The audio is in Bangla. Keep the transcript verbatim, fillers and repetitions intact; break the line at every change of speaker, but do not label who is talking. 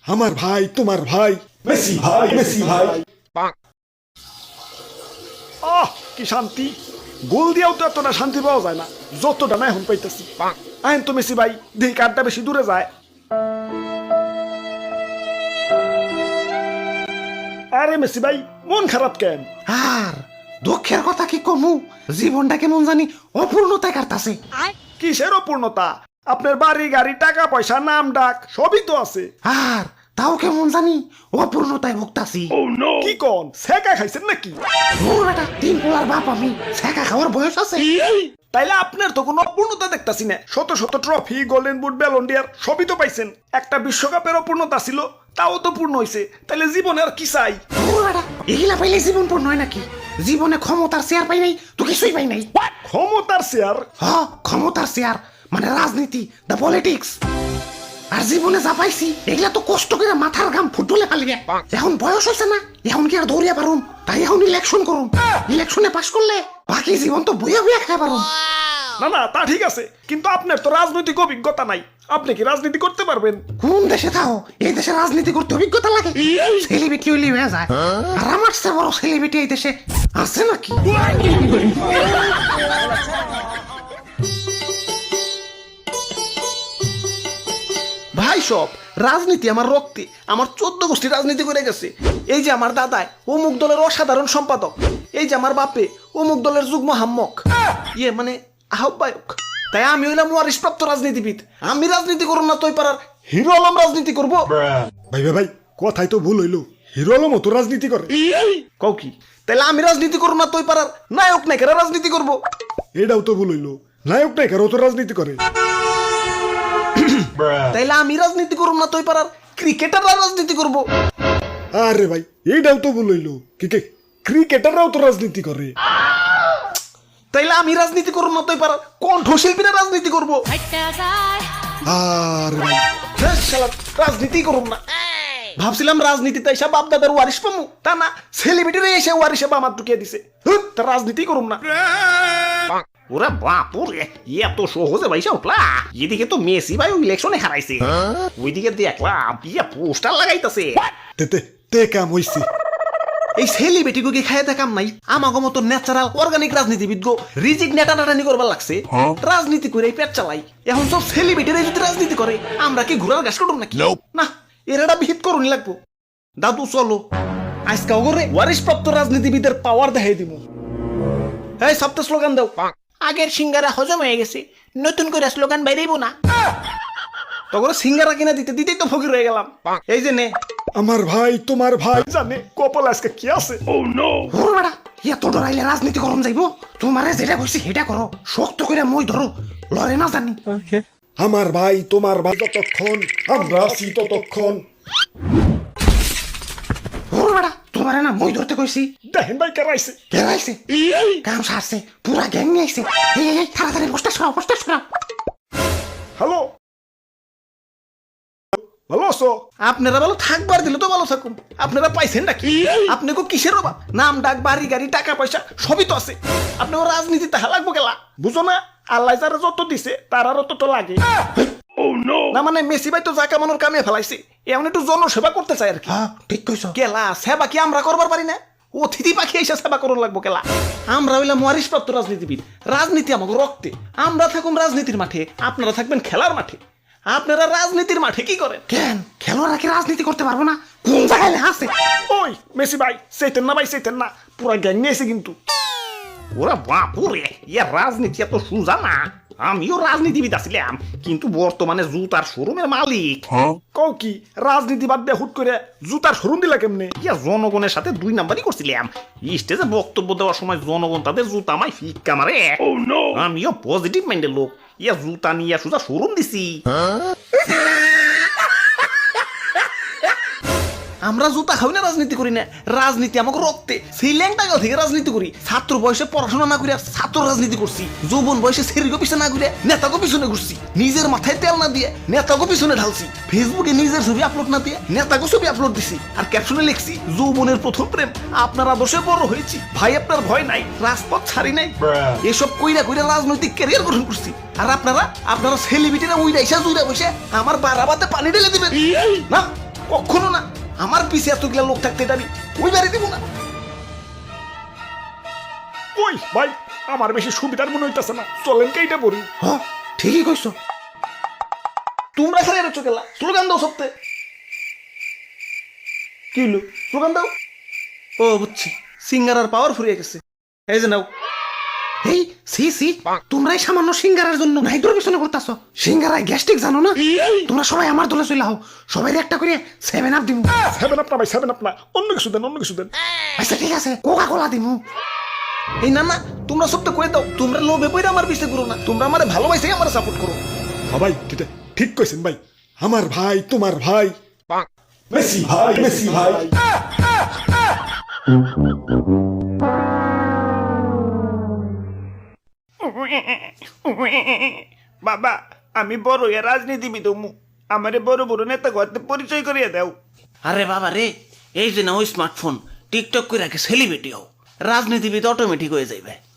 আমার ভাই তোমার ভাই মেসি ভাই মেসি ভাই। আহ কি শান্তি, গোল দিয়েও তো এতটা শান্তি পাওয়া যায় না যতটা না এখন পাইতেছি। আইন তো মেসি ভাই, দেখি কারটা বেশি দূরে যায়। আরে মেসি ভাই মন খারাপ কেন?
আর দুঃখের কথা কি কমু, জীবনটা কেমন জানি অপূর্ণতায় কাটতাছে।
কিসের অপূর্ণতা? আপনার বাড়ি গাড়ি টাকা পয়সা নাম ডাক সবই তো আছে,
আর তাও কেমন জানি অপূর্ণতায় ভুগতাছি।
কি কন, সেকা খাইছেন নাকি?
ওর বেটা তিন পোলার বাপ, আমি ছেঁকা খাওয়ার বয়স আছে?
তাইলে আপনার তো কোনো অপূর্ণতা দেখতাছি না। শত শত trophy, golden boot, Ballon d'Or সবই তো পাইছেন। একটা বিশ্বকাপের অপূর্ণতা ছিল, তাও তো পূর্ণ হইছে। তাইলে জীবনে আর কি চাই?
ওর বেটা এগুলা পাইলে জীবন পূর্ণ হয় নাকি? জীবনে ক্ষমতার চেয়ার পাই নাই তো কিছুই পাই নাই।
ক্ষমতার শেয়ার?
হ, ক্ষমতার চেয়ার মানে রাজনীতি, দ্য পলিটিক্স। আর জীবনে যা পাইছি এগুলা তো কষ্ট করে মাথার ঘাম ফুটবলে পালিয়ে। এখন বয়স হয়েছে না, এখন কি আর দৌড়িয়া পারুম? তাই এখন ইলেকশন করুন, ইলেকশনে পাশ করলে বাকি জীবন তো বইয়া বইয়া খাই পারুম।
না না, তা ঠিক আছে, কিন্তু আপনার তো রাজনৈতিক অভিজ্ঞতা নাই। আপনি কি রাজনীতি করতে পারবেন?
কোন দেশে থাও এই দেশে রাজনীতি করতে অভিজ্ঞতা লাগে? সেলিব্রিটি হইলে হয়ে যায়। আর আমার চেয়ে বড় সেলিব্রিটি এই দেশে আছে নাকি?
ভাই সব রাজনীতি আমার রক্তে, আমার চোদ্দ গোষ্ঠী রাজনীতি করে গেছে। এই যে আমার দাদায় অমুক দলের অসাধারণ সম্পাদক, এই যে আমার বাপে অমুক দলের যুগ্ম হাম্মক, ইয়ে মানে আহ্বায়ক। তাই আমি হইলাম ওয়ারিশপ্রাপ্ত রাজনীতিবিদ। আমি রাজনীতি করব না তোই পাড়ার হিরো আলম রাজনীতি করব।
ভাই ভাই ভাই, কথাই তো ভুল হইলো। হিরো আলমও তো রাজনীতি করে।
কও কি? তাইলে আমি রাজনীতি করব না তোই পাড়ার নায়ক নায়িকারা রাজনীতি করব।
এটাও তো ভুল হইলো, নায়ক নায়িকারও তো রাজনীতি করে।
তাইলে আমি রাজনীতি করব না তোই পাড়ার ক্রিকেটাররা রাজনীতি করব।
আরে ভাই এইটাও তো ভুল হইলো, কি কে ক্রিকেটাররাও তো রাজনীতি করে।
তাইলে আমি রাজনীতি করব না তুই পারার কণ্ঠশিল্পীরা রাজনীতি করব।
আরে ভাই
হ্যাঁ, শালা রাজনীতি করব না। ভাবছিলাম রাজনীতিতে এসে বাপ দাদার ওয়ারিশ পামু, তা না, সেলিব্রিটিরা এসে ওয়ারিশে বাপ মাত্র কে দিছে। হুঁ, তা রাজনীতি করব না।
ওরে বাপুরে, এত সহজে ভাইসা উঠলা। এদিকে তো মেসি ভাই ইলেকশনে হারাইছে, ওইদিকে দেখলাম ইয়ে পোস্টার লাগাইতেছে।
তে তে তে কাম হইছে।
এই সেলিব্রিটিগো কি খায় দেখাম নাই? আমাগো মতো ন্যাচারাল অর্গানিক রাজনীতিবিদ গো রিজিক নেটানাটানি করবার লাগছে। রাজনীতি করে পেট চালাই। এখন সব সেলিব্রিটিরা যদি রাজনীতি করে, আমরা কি ঘোড়ার ঘাস কাটুম নাকি? না, এরাটা বিহিত করুন লাগবো। দাদু চলো আজকে ওগরে ওয়ারিশপ্রাপ্ত রাজনীতিবিদের পাওয়ার দেখাই দিব। এই সপ্তাহ স্লোগান দাও।
আগের সিঙ্গারা হজম হয়ে গেছে, নতুন করে স্লোগান বাইরেইব না।
তখন সিঙ্গারা কিনা দিতে দিতেই তো ফকির হয়ে গেলাম। এই যে নে,
আমার ভাই তোমার ভাই জানে কপাল আজকে কি আছে।
ওর বেটা এত ডরাইলে রাজনীতি করুন যাইব? তোমারে যেটা কইছি সেটা করো, শক্ত করে মই ধরো, লড়ে না জানি।
আমার ভাই তোমার ভাই যতক্ষণ আমরা আছি ততক্ষণ।
ওর বেটা তোমারে না মই ধরতে কইছি।
দেখেন ভাই কারাইছে।
কেরাইছে কাম সারছে, পুরা গ্যাং নিয়ে আইছে। এই এই, এই তাড়াতাড়ি পোস্টার সরাও, পোস্টার সরাও।
হ্যালো, ভালো আছো?
আপনারা ভালো থাকবার দিলে তো ভালো থাকুন। আপনারা পাইছেন নাকি? আপনি কো কিসের অভাব? নাম ডাক, বাড়ি গাড়ি, টাকা পয়সা সবই তো আছে। আপনার রাজনীতি তাহা লাগবো গেলা, বুঝো না? আল্লাহ যারা যত দিছে তার আরো তত লাগে না। মানে মেসি ভাই তো যা কামানোর কামে ফেলাইছে, এমন একটু জনসেবা করতে চাই আর কি।
হ্যাঁ ঠিক কইছো।
কেলা সেবা কি আমরা করবার পারি না? অতিথি পাখি এসে সেবা করুন লাগবো কেলা। আমরা হইলাম ওয়ারিশপ্রাপ্ত রাজনীতিবিদ, রাজনীতি আমাকে রক্তে। আমরা থাকুন রাজনীতির মাঠে, আপনারা থাকবেন খেলার মাঠে। আপনারা রাজনীতির মাঠে কি করেন?
কেন খেলোয়াড়রা কি রাজনীতি করতে পারবো না? কোন জায়গায় আছে?
ওই মেসি ভাই সেইতেন না ভাই সেইতেন না, পুরা গ্যাং নিয়ে এসে কিন্তু।
ওরে বাপুরে, ইয়ে রাজনীতি এত সোজা না। আমিও রাজনীতিবিদ আছিলাম, কিন্তু বর্তমানে জুতার শোরুমের মালিক।
কও কি, রাজনীতি বাদ দিয়ে হুট করে জুতার শোরুম দিলা কেমনে?
ইয়া জনগণের সাথে দুই নাম্বারই করছিলাম। স্টেজে বক্তব্য দেওয়ার সময় জনগণ তাদের জুতা আমায় ফিক্কা মারে। আমিও পজিটিভ মাইন্ডের লোক, ইয়া জুতা নিয়ে সোজা শোরুম দিছি।
আমরা জুতা খাই না, রাজনীতি করি না। রাজনীতি আমাকে রক্তে। সেই ল্যাংটাগাঁও থেকে রাজনীতি করি। ছাত্র বয়সে পড়াশোনা না করিয়া ছাত্র রাজনীতি করছি। যৌবন বয়সে সেরিগো পিছনে না ঘুরে নেতাকে পিছনে ঘুরছি। নিজের মাথায় তেল না দিয়ে নেতাকে পিছনে ঢালছি। ফেসবুকে নিজের ছবি আপলোড না দিয়ে নেতাকে ছবি আপলোড দিছি। আর ক্যাপশনে লিখছি, যৌবনের প্রথম প্রেম, আপনার আদর্শে বড় হয়েছি, ভাই আপনার ভয় নাই, রাজপথ ছাড়ি নাই। এসব কইরা কইরা রাজনৈতিক ক্যারিয়ার গঠন করছি। আর আপনারা আপনারা সেলিব্রিটিরা উইরা ইসা জুইরা বসে আমার বারাবাতে পানি ঢেলে দিবেন না। কখনো না। আমার পিছে এতগুলা লোক থাকতে এটা আমি ওই বাড়ি দিব না।
ওই ভাই আমার বেশি সুবিধার মনে হইতাছে না, চলেন কেইটা পড়ি।
হ ঠিকই কইছো।
তোমরা খালি আর চোখেলা স্লোগান দাও সপ্তাহে। কি হলো স্লোগান দাও? ও বুঝছি, সিঙ্গার আর পাওয়ার ফুরিয়ে গেছে। এই যে নাও।
এই সি সি তোমরাই সামান্য সিঙ্গারার জন্য নাইডোর পিছনে করতেছো। সিঙ্গারায় গ্যাস্ট্রিক জানো না? তোমরা সবাই আমার দলে চলে আও, সবাই একটা করে সেভেন আপ দিমু।
সেভেন আপ না ভাই, সেভেন আপ না, অন্য কিছু দেন, অন্য কিছু দেন।
আচ্ছা ঠিক আছে, কোকা কোলা দিমু।
এই না না, তোমরা সবটা করে দাও। তোমরা লোভে পড়ে আমার পিছে করো না, তোমরা আমার ভালোবাসে আমার সাপোর্ট করো।
হ্যাঁ ভাই ঠিক ঠিক কইছেন ভাই, আমার ভাই তোমার ভাই মেসি ভাই, মেসি ভাই। বাবা আমি বড় হইয়া রাজনীতিবিদ হমু, আমারে বড় বড় নেতা করতে পরিচয় করিয়ে দাও।
আরে বাবা রে, এই যে না ওই স্মার্টফোন টিকটক করে রাখে সেলিব্রিটি হও, রাজনীতিবিদ অটোমেটিক হয়ে যাইবে।